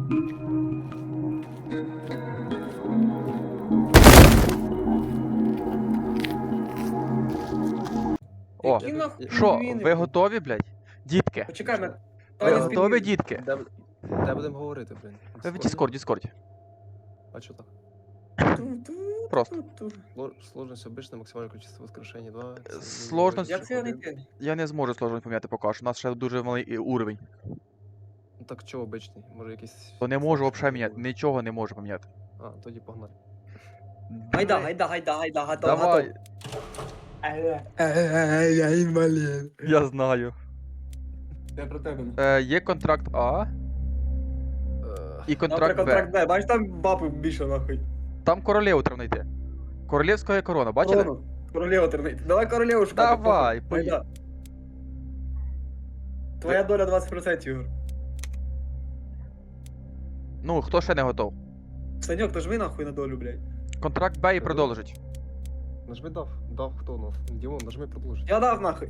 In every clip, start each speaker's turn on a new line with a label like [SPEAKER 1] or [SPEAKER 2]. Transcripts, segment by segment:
[SPEAKER 1] О,
[SPEAKER 2] Які нахуй
[SPEAKER 1] що,
[SPEAKER 2] пінгвіни,
[SPEAKER 1] ви
[SPEAKER 2] блін?
[SPEAKER 1] готові, блядь? Дітки,
[SPEAKER 2] Почекай,
[SPEAKER 1] ви
[SPEAKER 2] Таня з
[SPEAKER 1] готові,
[SPEAKER 2] пінгвіном.
[SPEAKER 1] дітки?
[SPEAKER 3] Де будемо говорити, блін?
[SPEAKER 1] В Діскорді.
[SPEAKER 3] А чо так?
[SPEAKER 1] Просто.
[SPEAKER 3] Сложность обычно, максимальное количество воскрешений 2.
[SPEAKER 1] Сложность-
[SPEAKER 2] Як це його знайти?
[SPEAKER 1] Я не зможу сложно поміняти поки що, у нас ще дуже малий уровень.
[SPEAKER 3] Ну так чого обичний? Може якийсь...
[SPEAKER 1] То не можу
[SPEAKER 3] сложний
[SPEAKER 1] взагалі міняти,
[SPEAKER 3] буде?
[SPEAKER 1] нічого не можу поміняти.
[SPEAKER 3] А, тоді погнали.
[SPEAKER 2] Гайда, готов,
[SPEAKER 1] Давай,
[SPEAKER 2] Я інвалід.
[SPEAKER 1] я знаю.
[SPEAKER 2] Я про тебе.
[SPEAKER 1] Є контракт А і контракт
[SPEAKER 2] Контракт
[SPEAKER 1] Б.
[SPEAKER 2] Б, бачиш там бабу більше нахуй.
[SPEAKER 1] Там королеву треба знайти. Королівська корона, бачили?
[SPEAKER 2] Корону. Королеву тернити. Давай королеву шукати.
[SPEAKER 1] Давай,
[SPEAKER 2] похуй. Гайда. Твоя доля 20%, Ігор.
[SPEAKER 1] Ну, хто ще не готов?
[SPEAKER 2] Саньок, то ж ви нахуй на долю, блядь.
[SPEAKER 1] Контракт Б і продовжить.
[SPEAKER 3] Нажми дав. Дав хто у нас? Дімон, нажми продовжити.
[SPEAKER 2] Я дав нахуй.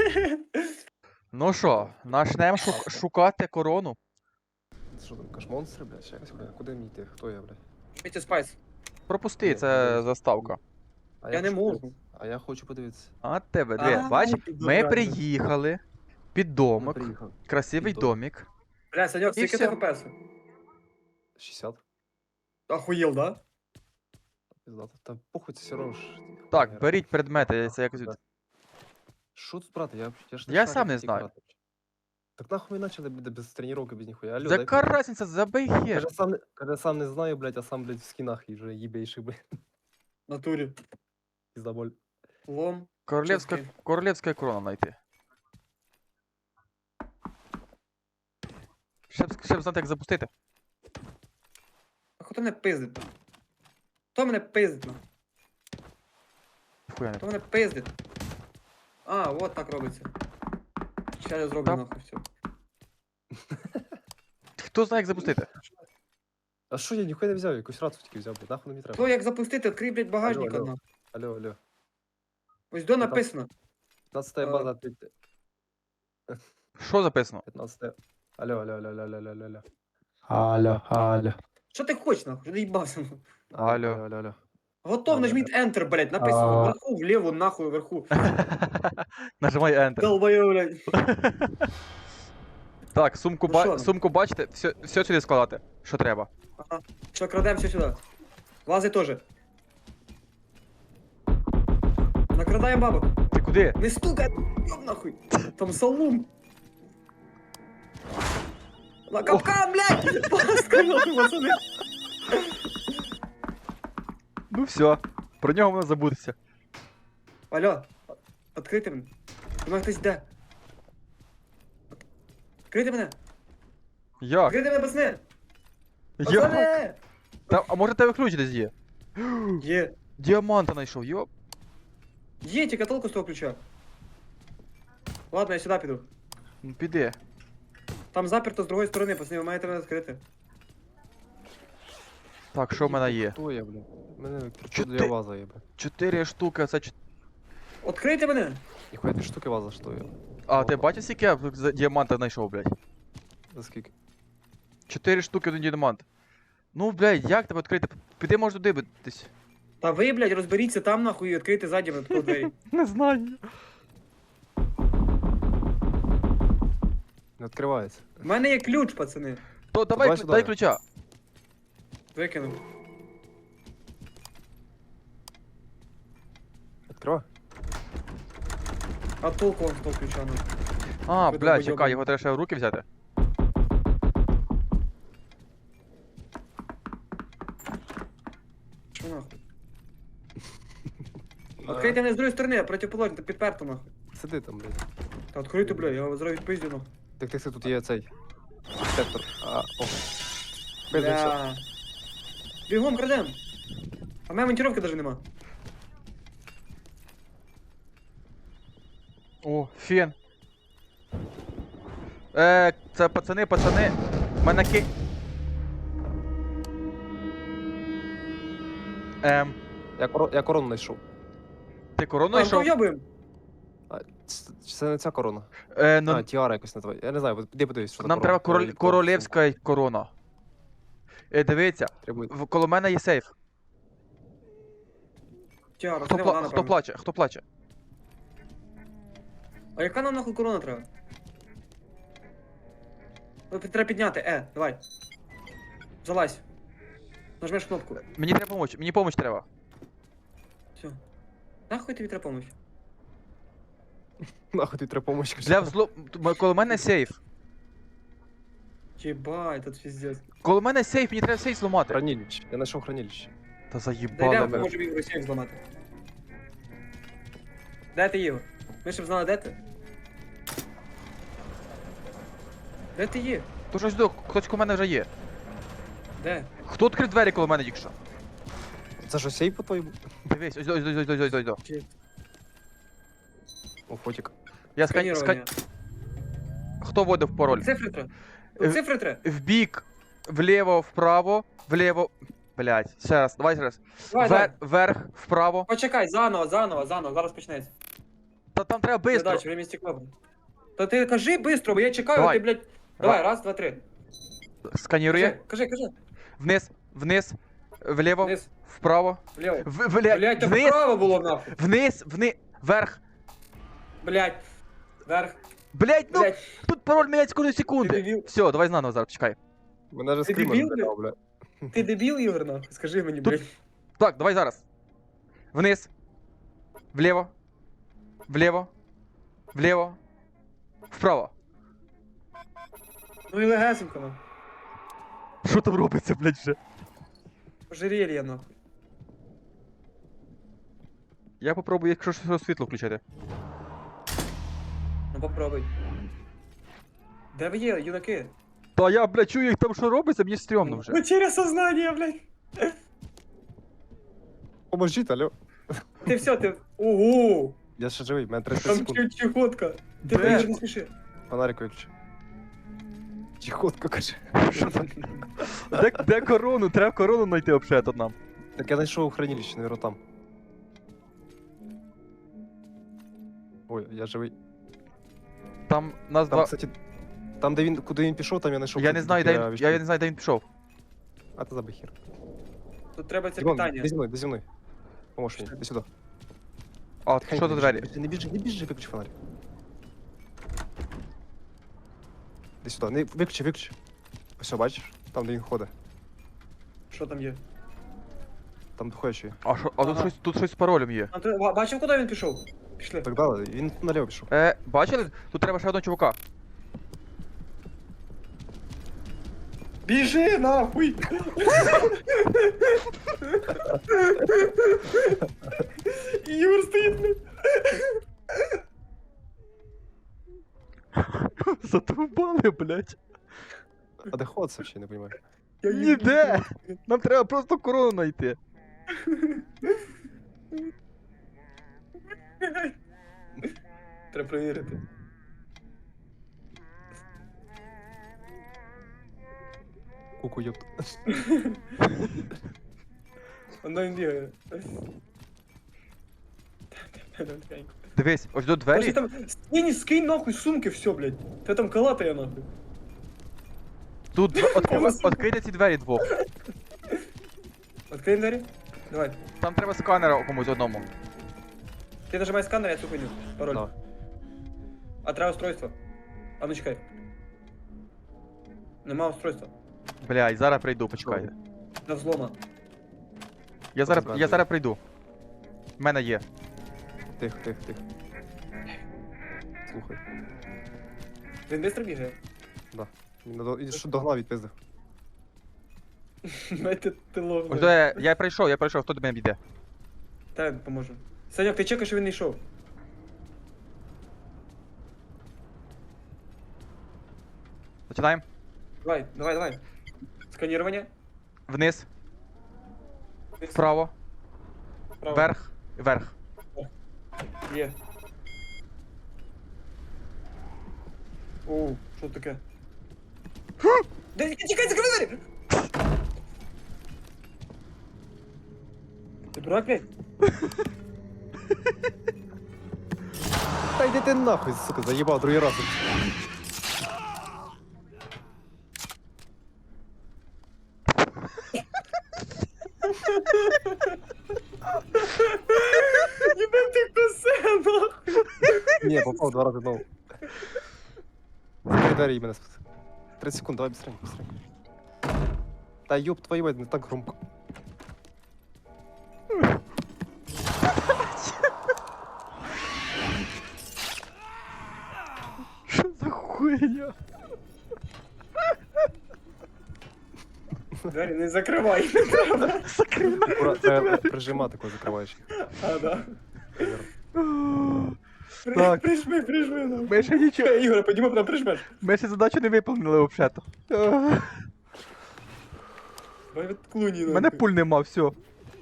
[SPEAKER 1] Ну що, начнемо шукати корону.
[SPEAKER 3] Це що там, кашмонстри, блядь? Ще якось, блядь? Куди мені йти? Хто я, блядь?
[SPEAKER 2] Міті Спайс.
[SPEAKER 1] Пропусти, це заставка.
[SPEAKER 3] А
[SPEAKER 2] Я не
[SPEAKER 3] хочу
[SPEAKER 2] можу.
[SPEAKER 3] подивитися. А я хочу подивитися.
[SPEAKER 1] А тебе,
[SPEAKER 2] А,
[SPEAKER 1] диви, бач,
[SPEAKER 2] ти
[SPEAKER 1] ми
[SPEAKER 2] дурак.
[SPEAKER 1] приїхали під
[SPEAKER 3] Ми
[SPEAKER 1] домик,
[SPEAKER 3] приїхали.
[SPEAKER 1] красивий
[SPEAKER 3] Під домик.
[SPEAKER 1] домик.
[SPEAKER 2] Бля, Саньок,
[SPEAKER 1] І
[SPEAKER 2] скільки
[SPEAKER 1] всё.
[SPEAKER 2] ти ФПС?
[SPEAKER 3] 60.
[SPEAKER 2] Охуєл, да?
[SPEAKER 3] Пиздато. Та похуй, це все одно ж...
[SPEAKER 1] Так,
[SPEAKER 3] хуйня.
[SPEAKER 1] беріть предмети, це якось.
[SPEAKER 3] Да. Що тут брати? Я ж
[SPEAKER 1] Я
[SPEAKER 3] шарю,
[SPEAKER 1] сам не
[SPEAKER 3] як
[SPEAKER 1] знаю.
[SPEAKER 3] грати. Так нахуй ми почали без тренування, без ніхуя. Алло,
[SPEAKER 1] Яка разниця, забий хер.
[SPEAKER 3] Каже, сам не знаю, блядь, а сам, блядь, в скінах і вже їбейший, блядь.
[SPEAKER 2] В натурі.
[SPEAKER 3] Пиздоболь.
[SPEAKER 2] Лом.
[SPEAKER 1] Королевська,
[SPEAKER 2] Чески.
[SPEAKER 1] королевська корона знайти. Щоб знати, як запустити.
[SPEAKER 2] А хто мене пиздить? Хто мене пиздить? нахуй?
[SPEAKER 1] Хуя не.
[SPEAKER 2] Хто мене пиздить? А, от так робиться. Ща я зроблю
[SPEAKER 1] Та-
[SPEAKER 2] нахуй все.
[SPEAKER 1] Хто знає, як запустити?
[SPEAKER 3] А що я ніхуя не взяв, якусь рацу тільки взяв, блядь, нахуй мені треба.
[SPEAKER 2] То як запустити, відкрий, блядь, багажник
[SPEAKER 3] Алло,
[SPEAKER 2] одна.
[SPEAKER 3] Алло.
[SPEAKER 2] Ось до написано.
[SPEAKER 3] 15 база, 15.
[SPEAKER 1] Що записано?
[SPEAKER 3] Алло. Алло.
[SPEAKER 2] Що ти хочеш, нахуй? Що ти їбався? нахуй?
[SPEAKER 3] Алло.
[SPEAKER 2] Готов,
[SPEAKER 3] Алло.
[SPEAKER 2] нажміть Enter, блядь, написано.
[SPEAKER 3] А.
[SPEAKER 2] Вверху, вліво, нахуй, вверху.
[SPEAKER 1] Нажимай Enter.
[SPEAKER 2] Долбою, блядь.
[SPEAKER 1] Так, сумку,
[SPEAKER 2] Ну що?
[SPEAKER 1] сумку бачите? Все сюди складати, що треба.
[SPEAKER 2] Ага. Все, крадемося сюди. Лази теж. Накрадаємо бабок.
[SPEAKER 1] Ти куди?
[SPEAKER 2] Не стукай, ёб нахуй. Там салун. На капкан, блядь! Паска, нахуй, пацани.
[SPEAKER 1] Ну все, про нього можна забутися.
[SPEAKER 2] Алло, відкрийте мене. Думаю, хтось йде. Відкрийте мене.
[SPEAKER 1] Як?
[SPEAKER 2] Відкрийте мене, пацани.
[SPEAKER 1] Як?
[SPEAKER 2] Пацани!
[SPEAKER 1] А може тебе ключ десь є?
[SPEAKER 2] Є.
[SPEAKER 1] Діаманта знайшов, йоп.
[SPEAKER 2] Є, тільки толку з того ключа. Ладно, я сюди піду.
[SPEAKER 1] Ну піди.
[SPEAKER 2] Там заперто з другої сторони, пацани, ви маєте мене відкрити.
[SPEAKER 1] Так, що в мене є?
[SPEAKER 3] Хто я, блядь? У мене
[SPEAKER 1] Чо
[SPEAKER 3] чудо
[SPEAKER 1] ти-
[SPEAKER 3] ваза є, блядь.
[SPEAKER 1] 4 штуки, це
[SPEAKER 2] Відкрийте мене!
[SPEAKER 3] Ніхуя ти штуки ваза, що я?
[SPEAKER 1] А, ти бачиш, скільки я за діаманта знайшов, блядь?
[SPEAKER 3] За скільки?
[SPEAKER 1] 4 штуки один діамант. Ну, блядь, як тебе відкрити? Піди, може, туди битись.
[SPEAKER 2] Та ви, блядь, розберіться там нахуй і відкрийте ззаді мене таку двері.
[SPEAKER 1] Не знаю.
[SPEAKER 3] Не відкривається.
[SPEAKER 2] У мене є ключ, пацани.
[SPEAKER 1] То давай,
[SPEAKER 3] давай сюди.
[SPEAKER 1] дай ключа.
[SPEAKER 2] Викинув.
[SPEAKER 3] Відкривай.
[SPEAKER 2] А толку вам з того ключа, ну.
[SPEAKER 1] А,
[SPEAKER 2] Ви
[SPEAKER 1] блядь,
[SPEAKER 2] долбойоби.
[SPEAKER 1] чекай, його треба ще в руки взяти.
[SPEAKER 2] Що нахуй? Відкрийте мене з другої сторони, протиположно, та підперто нахуй.
[SPEAKER 3] Сиди там, блядь.
[SPEAKER 2] Та відкрийте, блядь, я вас зараз відпиздю нахуй.
[SPEAKER 3] Так, тут є цей. Сектор. О. Пиздився.
[SPEAKER 2] Бля. Бігом крадем. А в мене монтировки навіть нема.
[SPEAKER 1] О, фен. Це пацани, мене
[SPEAKER 3] Я корону знайшов.
[SPEAKER 1] ти корону
[SPEAKER 2] А,
[SPEAKER 1] знайшов?
[SPEAKER 2] то йобуємо.
[SPEAKER 3] Це не ця корона.
[SPEAKER 1] Ну,
[SPEAKER 3] А, тіара якось називає. Я не знаю, де подивись, що
[SPEAKER 1] нам треба королівська корона. Дивіться,
[SPEAKER 3] Требує.
[SPEAKER 1] коло мене є сейф.
[SPEAKER 2] Тя,
[SPEAKER 1] Хто,
[SPEAKER 2] пацани, вона
[SPEAKER 1] хто
[SPEAKER 2] напевно.
[SPEAKER 1] плаче? Хто плаче?
[SPEAKER 2] А яка нам нахуй корона треба? Треба підняти, давай. Залазь. Нажмеш кнопку.
[SPEAKER 1] Мені треба помочь, мені помочь треба.
[SPEAKER 2] Все. Нахуй тобі треба помочь?
[SPEAKER 3] Нахуй тобі треба помочь. кажу.
[SPEAKER 1] Для взло... Коло мене сейф.
[SPEAKER 2] Єбать, тут пиздец.
[SPEAKER 1] Коло мене сейф, мені треба сейф зламати.
[SPEAKER 3] Хранилище. Я знайшов хранилище.
[SPEAKER 1] Та
[SPEAKER 2] Дай
[SPEAKER 1] заїбали
[SPEAKER 2] йдемо,
[SPEAKER 1] мене.
[SPEAKER 2] поможемо Ігору сейф зламати. Де ти, Ігор? Ми щоб знали, де ти? Де ти є?
[SPEAKER 1] То щось до, хтось коло мене вже є.
[SPEAKER 2] Де?
[SPEAKER 1] Хто відкрив двері коло мене тільки що?
[SPEAKER 3] Це що, сейф по твоєму?
[SPEAKER 1] Дивись, ось.
[SPEAKER 2] Чи
[SPEAKER 3] О, фотик.
[SPEAKER 1] Я
[SPEAKER 2] сканірування?
[SPEAKER 1] Хто вводив пароль?
[SPEAKER 2] Цифри треба.
[SPEAKER 1] Е,
[SPEAKER 2] Цифри треба.
[SPEAKER 1] Вбік, вліво, вправо, вліво. Блять, ще раз, давай ще раз.
[SPEAKER 2] Давай, давай.
[SPEAKER 1] Вверх, вправо.
[SPEAKER 2] Почекай, заново, зараз почнеться.
[SPEAKER 1] Та там треба бистро.
[SPEAKER 2] Задача, время стекло. Та ти кажи быстро, бо я чекаю,
[SPEAKER 1] Давай.
[SPEAKER 2] ти, блядь. Давай, раз, два, три.
[SPEAKER 1] Сканірує.
[SPEAKER 2] Кажи.
[SPEAKER 1] Вниз, вліво,
[SPEAKER 2] Вниз,
[SPEAKER 1] вправо.
[SPEAKER 2] вліво.
[SPEAKER 1] Блять,
[SPEAKER 2] Блядь, там
[SPEAKER 1] вниз,
[SPEAKER 2] вправо було нахуй.
[SPEAKER 1] вниз, вверх.
[SPEAKER 2] Блядь. Вверх.
[SPEAKER 1] Блять, ну
[SPEAKER 2] Блядь.
[SPEAKER 1] тут пароль міняється кожної
[SPEAKER 2] Ти
[SPEAKER 1] секунди.
[SPEAKER 2] дебіл.
[SPEAKER 1] Все, давай заново зараз, чекай.
[SPEAKER 3] Мене же
[SPEAKER 2] Ти
[SPEAKER 3] скример
[SPEAKER 2] дебіл,
[SPEAKER 3] збирав, бля.
[SPEAKER 2] Ти дебіл, Ігор, нахуй? Скажи мені,
[SPEAKER 1] Тут-
[SPEAKER 2] блядь.
[SPEAKER 1] Так, давай зараз. Вниз. Вліво. Вліво. Вправо.
[SPEAKER 2] Ну і легесенько, нахуй.
[SPEAKER 1] Що там робиться, блять, вже?
[SPEAKER 2] Ожерелье, нахуй.
[SPEAKER 1] Я попробую, якщо що світло включити.
[SPEAKER 2] Ну попробуй. Де ви є, юнаки?
[SPEAKER 1] Та я, блядь, чую, як там що робиться, мені стрьомно вже.
[SPEAKER 2] Потеря сознання, блядь.
[SPEAKER 3] Поможіть, алло.
[SPEAKER 2] Ти все, ти... Ого!
[SPEAKER 3] Я ще живий, мене 30
[SPEAKER 2] Там
[SPEAKER 3] секунд.
[SPEAKER 2] чехотка.
[SPEAKER 1] Де?
[SPEAKER 2] Ти блядь, не спіши.
[SPEAKER 3] Фонарик виключи. Чехотка, каже.
[SPEAKER 1] Де корону? Треба корону знайти взагалі тут нам.
[SPEAKER 3] Так я знайшов хранилище, наверно, там. Ой, я живий.
[SPEAKER 1] Там нас
[SPEAKER 3] Там,
[SPEAKER 1] два.
[SPEAKER 3] кстати, там, де він, куди він пішов, там я знайшов.
[SPEAKER 1] Я не знаю, де він. Я не знаю, де він пішов.
[SPEAKER 3] А ти забий хер.
[SPEAKER 2] Тут треба це
[SPEAKER 3] Дімон,
[SPEAKER 2] питання.
[SPEAKER 3] де зі мною. Поможеш мені, іди сюди.
[SPEAKER 1] А,
[SPEAKER 3] Тихенько,
[SPEAKER 1] що за двері?
[SPEAKER 3] Не біжи, виключи фонарик. Іди сюди, не, виключи. Ось, бачиш? Там, де він ходить.
[SPEAKER 2] Що там є?
[SPEAKER 3] Там ходячий.
[SPEAKER 1] А що, а
[SPEAKER 2] Ага.
[SPEAKER 1] тут щось з паролем є.
[SPEAKER 2] А ти бачив, куди він пішов? Пішли.
[SPEAKER 3] Так далі, він наліво пішов.
[SPEAKER 1] Бачили? Тут треба ще одного чувака.
[SPEAKER 2] Біжи нахуй! Юр стоїть, блядь.
[SPEAKER 1] Затовбали, блядь.
[SPEAKER 3] А де ход це ще, не розумію.
[SPEAKER 2] Я
[SPEAKER 1] Ніде! Нам треба просто корону знайти.
[SPEAKER 2] Треба перевірити.
[SPEAKER 3] Куку, ёпт.
[SPEAKER 2] Воно він бігає.
[SPEAKER 1] Дивись, ось до
[SPEAKER 2] Подожди,
[SPEAKER 1] двері.
[SPEAKER 2] там... Скинь нахуй сумки, все, блядь. Ти там калатає нахуй.
[SPEAKER 1] Тут відкрийте ці двері двох.
[SPEAKER 2] Открий двері. Давай.
[SPEAKER 1] Там треба сканера комусь одному.
[SPEAKER 2] Ти нажимай сканер, я цю хуйню. Пароль.
[SPEAKER 3] Да.
[SPEAKER 2] А треба устройство. А ну чекай. Нема устройства.
[SPEAKER 1] Блядь, зараз прийду, почекайте.
[SPEAKER 2] До взлома.
[SPEAKER 1] Я зараз прийду. В мене є.
[SPEAKER 3] Тихо. Слухай.
[SPEAKER 2] Він швидко бігає.
[SPEAKER 3] Він що догнав відпиздив.
[SPEAKER 2] Майте ти лов.
[SPEAKER 1] Ось до я прийшов, хто до мене йде?
[SPEAKER 2] Та поможу. Саньок, ти чекаєш, що він не йшов.
[SPEAKER 1] Починаємо.
[SPEAKER 2] Давай. Сканирование.
[SPEAKER 1] Вниз,
[SPEAKER 2] Вниз,
[SPEAKER 1] вправо,
[SPEAKER 2] вправо.
[SPEAKER 1] вверх.
[SPEAKER 2] Є. Оу, що таке? Тікай, закрий двері! Ти дурак, блядь?
[SPEAKER 3] Та йди ти нахуй, сука, заїбав другий раз.
[SPEAKER 2] Ебать ты косе, нахуй.
[SPEAKER 3] Ні, попав 2 рази знову. Закрий двері і мене спаси. 30 секунд, давай быстренько, быстренько. Та ёб твою мать, не так громко.
[SPEAKER 1] Що за хуйня?
[SPEAKER 2] Двері не закривай.
[SPEAKER 1] Закрив
[SPEAKER 3] Ура, треба прижимати, коли закриваєш їх.
[SPEAKER 2] А, да.
[SPEAKER 1] Так.
[SPEAKER 2] Прижми, нахуй.
[SPEAKER 1] Ми ще нічого.
[SPEAKER 2] Ігор, підійми, потім прижмеш.
[SPEAKER 1] Ми ще задачу не виповнили взагалі-то.
[SPEAKER 2] Давай від клуні,
[SPEAKER 1] У мене пуль нема, все.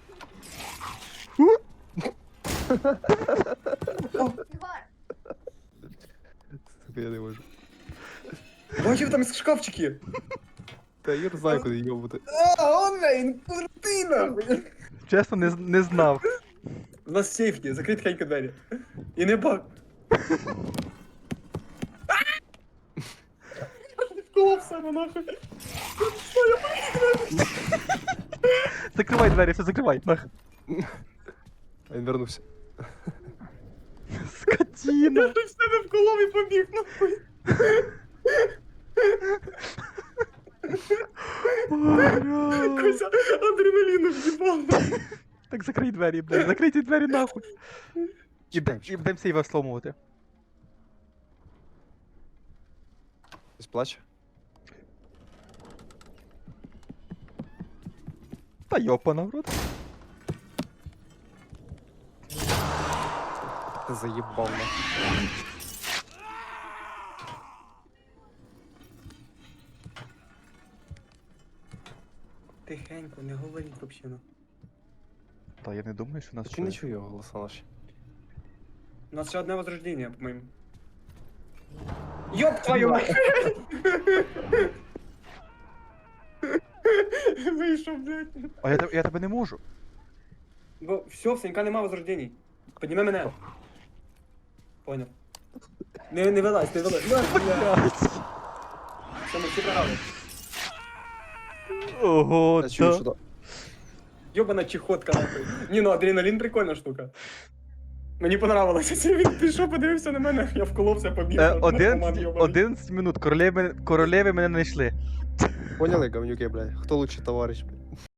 [SPEAKER 3] Сука, я не можу.
[SPEAKER 2] Бачив, там шкафчики.
[SPEAKER 3] Та я не знаю, куди йобути.
[SPEAKER 2] А, он, блин, крутий, нахуй.
[SPEAKER 1] Чесно, не знав.
[SPEAKER 2] У нас сейф є, закрий тихенько двері. І не баг. Вколов себе, нахуй.
[SPEAKER 1] Закривай двері, все закривай. Нах.
[SPEAKER 3] А він вернувся.
[SPEAKER 1] Скотіна.
[SPEAKER 2] Я ж в себе вколов і побіг, нахуй. Кося адреналіну в'їбав.
[SPEAKER 1] Так закрий двері, блядь. Закрийте двері нахуй. І будемо сейва сломувати.
[SPEAKER 3] Хтось плаче?
[SPEAKER 1] Та йопана в рот.
[SPEAKER 3] Ти заїбав нахуй.
[SPEAKER 2] Тихенько, не говоріть вообще, ну.
[SPEAKER 1] Та я не думаю, що нас
[SPEAKER 3] Чи не чую його голоса наші?
[SPEAKER 2] У нас ще одне возрождення, по-моєму. Ёб твою мать! Вийшов, блядь.
[SPEAKER 1] А я тебе не можу.
[SPEAKER 2] Бо все, в Санька нема возрождень. Підніми мене. Понял. Не вилазь, не вилазь.
[SPEAKER 1] Блядь.
[SPEAKER 2] Все, ми всі програли.
[SPEAKER 1] Ого,
[SPEAKER 3] Я чую,
[SPEAKER 1] та.
[SPEAKER 3] що да.
[SPEAKER 2] Йобана чехотка, нахуй. Ні, ну адреналін прикольна штука. Мені понравилося. Це він пішов, подивився на мене, я вколовся, побіг. наркоман йобаний.
[SPEAKER 1] 11 минут, королеви мене знайшли.
[SPEAKER 3] Поняли, говнюки, блядь? Хто лучший товариш, блядь?